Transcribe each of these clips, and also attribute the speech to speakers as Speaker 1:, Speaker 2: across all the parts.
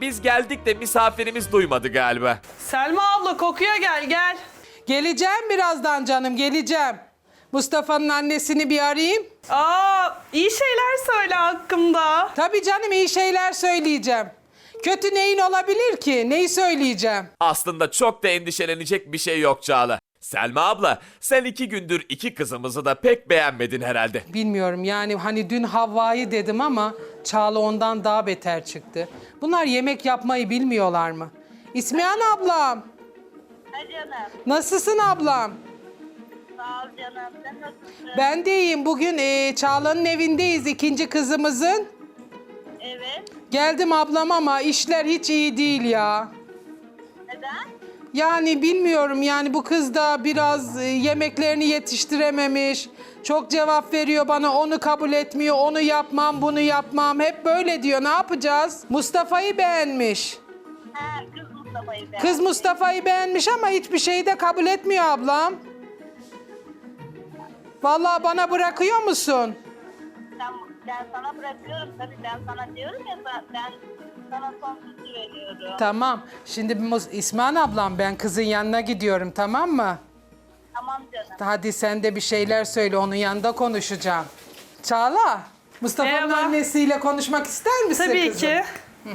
Speaker 1: biz geldik de misafirimiz duymadı galiba.
Speaker 2: Selma abla kokuya gel gel.
Speaker 3: Geleceğim birazdan canım, geleceğim. Mustafa'nın annesini bir arayayım.
Speaker 2: İyi şeyler söyle hakkımda.
Speaker 3: Tabii canım, iyi şeyler söyleyeceğim. Kötü neyin olabilir ki? Neyi söyleyeceğim?
Speaker 1: Aslında çok da endişelenecek bir şey yok Çağla. Selma abla, sen 2 gündür 2 kızımızı da pek beğenmedin herhalde.
Speaker 3: Bilmiyorum yani, hani dün Havva'yı dedim ama Çağla ondan daha beter çıktı. Bunlar yemek yapmayı bilmiyorlar mı? İsmihan ablam.
Speaker 4: Ha canım.
Speaker 3: Nasılsın ablam?
Speaker 4: Sağ ol canım. Sen nasılsın?
Speaker 3: Ben de iyiyim. Bugün Çağla'nın evindeyiz, ikinci kızımızın.
Speaker 4: Evet.
Speaker 3: Geldim ablam ama işler hiç iyi değil ya.
Speaker 4: Neden?
Speaker 3: Yani bilmiyorum, yani bu kız da biraz yemeklerini yetiştirememiş. Çok cevap veriyor bana, onu kabul etmiyor, onu yapmam, bunu yapmam. Hep böyle diyor, ne yapacağız? Mustafa'yı beğenmiş.
Speaker 4: Ha, kız Mustafa'yı ben.
Speaker 3: Kız Mustafa'yı beğenmiş ama hiçbir şeyi de kabul etmiyor ablam. Vallahi bana bırakıyor musun?
Speaker 4: Ben sana bırakıyorum tabii. Ben sana diyorum ya, ben sana son sözü veriyorum.
Speaker 3: Tamam. Şimdi İsmail ablam, ben kızın yanına gidiyorum, tamam mı?
Speaker 4: Tamam canım.
Speaker 3: Hadi sen de bir şeyler söyle, onun yanında konuşacağım. Çağla, Mustafa'nın
Speaker 2: Merhaba.
Speaker 3: annesiyle konuşmak ister misin
Speaker 2: Tabii
Speaker 3: kızım?
Speaker 2: ki.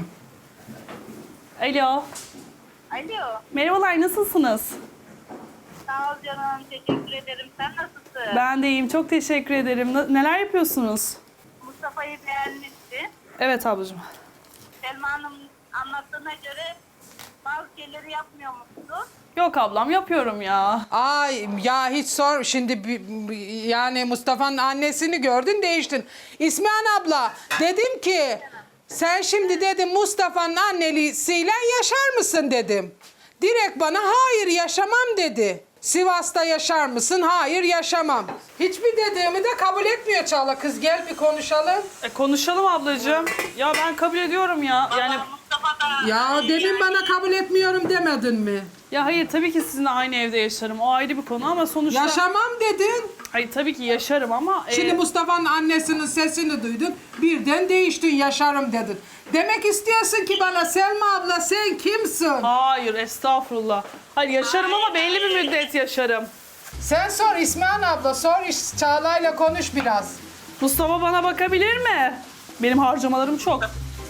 Speaker 2: Alo.
Speaker 4: Alo.
Speaker 2: Merhabalar, nasılsınız?
Speaker 4: Sağ ol canım. Teşekkür ederim. Sen nasılsın?
Speaker 2: Ben de iyiyim, çok teşekkür ederim. Neler yapıyorsunuz?
Speaker 4: Mustafa'yı beğenmişsin.
Speaker 2: Evet ablacığım.
Speaker 4: Selma Hanım anlattığına göre bazı şeyleri yapmıyor musun?
Speaker 2: Yok ablam, yapıyorum ya.
Speaker 3: Ay ya, hiç sor şimdi, yani Mustafa'nın annesini gördün, değiştin. İsmihan abla, dedim ki sen şimdi dedim Mustafa'nın annesiyle yaşar mısın dedim. Direkt bana hayır yaşamam dedi. Sivas'ta yaşar mısın? Hayır yaşamam. Hiçbir dediğimi de kabul etmiyor Çağla. Kız gel bir konuşalım.
Speaker 2: Konuşalım ablacığım. Ya ben kabul ediyorum ya. Yani
Speaker 4: Mustafa da...
Speaker 3: Ya demin bana kabul etmiyorum demedin mi?
Speaker 2: ya hayır, tabii ki sizinle aynı evde yaşarım. O ayrı bir konu ama sonuçta...
Speaker 3: Yaşamam dedin.
Speaker 2: Hayır, tabii ki yaşarım ama...
Speaker 3: Şimdi Mustafa'nın annesinin sesini duydun. Birden değiştin, yaşarım dedin. Demek istiyorsun ki bana Selma abla sen kimsin?
Speaker 2: Hayır, estağfurullah. Hayır, yaşarım ama belli bir müddet yaşarım.
Speaker 3: Sen sor İsmihan abla, sor, Çağla'yla konuş biraz.
Speaker 2: Mustafa bana bakabilir mi? Benim harcamalarım çok.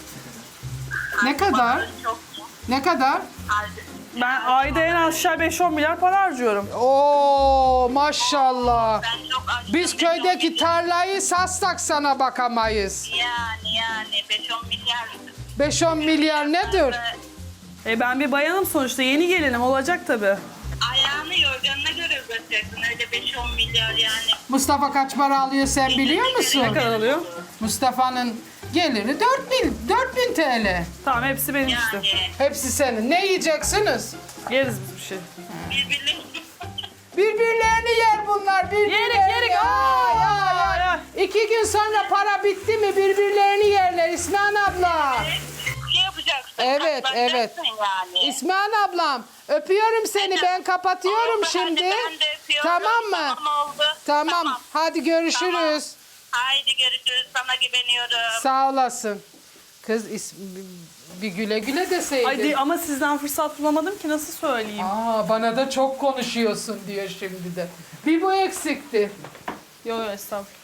Speaker 3: Ne kadar?
Speaker 4: Çok.
Speaker 3: Ne kadar?
Speaker 2: Ben ayda en aşağı 5-10 milyar para harcıyorum.
Speaker 3: Oo maşallah.
Speaker 4: Ben çok açtım.
Speaker 3: Biz köydeki tarlayı satsak sana bakamayız.
Speaker 4: Yani 5-10 milyar.
Speaker 3: 5-10 milyar nedir?
Speaker 2: Ben bir bayanım sonuçta, yeni gelinim, olacak tabii.
Speaker 4: Ayağını yorganına göre uzatacaksın. Öyle 5-10 milyar yani.
Speaker 3: Mustafa kaç para alıyor sen biliyor musun?
Speaker 2: Ne kadar alıyor?
Speaker 3: Mustafa'nın geliri 4000 TL.
Speaker 2: Tamam, hepsi benim işte.
Speaker 4: Yani
Speaker 3: Hepsi senin. Ne yiyeceksiniz?
Speaker 2: Yeriz biz bir şey.
Speaker 4: birbirlerini...
Speaker 3: Birbirlerini yer bunlar. Birbirlerini.
Speaker 2: Yerik.
Speaker 3: Ay, ay, ay. 2 gün sonra para bitti mi birbirlerini yerler İsmihan abla.
Speaker 4: Ne yapacaksın?
Speaker 3: Evet, evet.
Speaker 4: Katlanacaksın Yani.
Speaker 3: İsmihan ablam, öpüyorum seni. Ben kapatıyorum
Speaker 4: Oldu,
Speaker 3: şimdi.
Speaker 4: hadi ben de öpüyorum.
Speaker 3: Tamam mı?
Speaker 4: Tamam oldu.
Speaker 3: Tamam. Hadi görüşürüz.
Speaker 4: Tamam. Haydi görüşürüz. Sana güveniyorum.
Speaker 3: Sağ olasın. Kız bir güle güle deseydin.
Speaker 2: Hadi ama sizden fırsat bulamadım ki, nasıl söyleyeyim?
Speaker 3: Bana da çok konuşuyorsun diyor şimdi de. Bir bu eksikti.
Speaker 2: Yok estağfurullah.